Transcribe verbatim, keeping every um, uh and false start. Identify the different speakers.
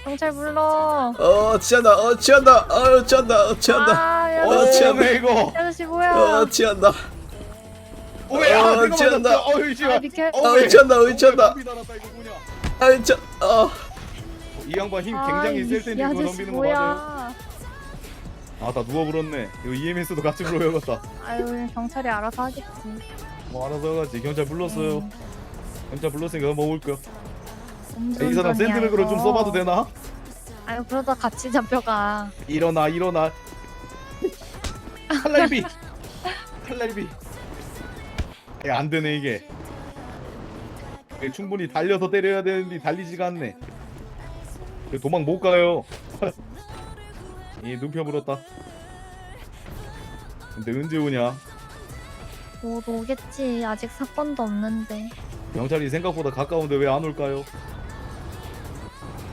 Speaker 1: 경찰 불러.
Speaker 2: 어 취한다 어 취한다 어 취한다 어 취한다
Speaker 1: 아, 야,
Speaker 2: 어,
Speaker 1: 이
Speaker 2: 취한다.
Speaker 3: 네, 이거.
Speaker 1: 아저씨 뭐야?
Speaker 2: 어 취한다
Speaker 3: 오야
Speaker 2: 어,
Speaker 3: 내가
Speaker 2: 취한다.
Speaker 3: 맞았다. 어이 씨발.
Speaker 1: 아, 비켜.
Speaker 2: 어 취한다 어 취한다
Speaker 3: 이
Speaker 2: 아이 저 어.
Speaker 3: 양반 힘
Speaker 1: 아,
Speaker 3: 굉장히
Speaker 1: 이-
Speaker 3: 셀
Speaker 1: 이
Speaker 3: 텐데 이거
Speaker 1: 아저씨
Speaker 3: 덤비는 거 맞아요?
Speaker 1: 뭐야?
Speaker 3: 아나 누워 불었네. 이거 이엠에스도 같이 불러야겠다.
Speaker 1: 아유, 그냥 경찰이 알아서 하겠지.
Speaker 3: 뭐 알아서 해가지. 경찰 불렀어요.
Speaker 1: 음,
Speaker 3: 경찰 불렀으니까 먹을 거야.
Speaker 1: 음주운전이야,
Speaker 3: 이 사람 샌드백으로 좀
Speaker 1: 이거.
Speaker 3: 써봐도 되나?
Speaker 1: 아유, 그러다 같이 잡혀가.
Speaker 3: 일어나 일어나. 칼날비. 칼날비. 야, 안 되네 이게. 이게 충분히 달려서 때려야 되는데 달리지가 않네. 이거 도망 못 가요. 이 눈펴 물었다. 근데 언제 오냐?
Speaker 1: 곧 오겠지. 아직 사건도 없는데.
Speaker 3: 경찰이 생각보다 가까운데 왜 안 올까요?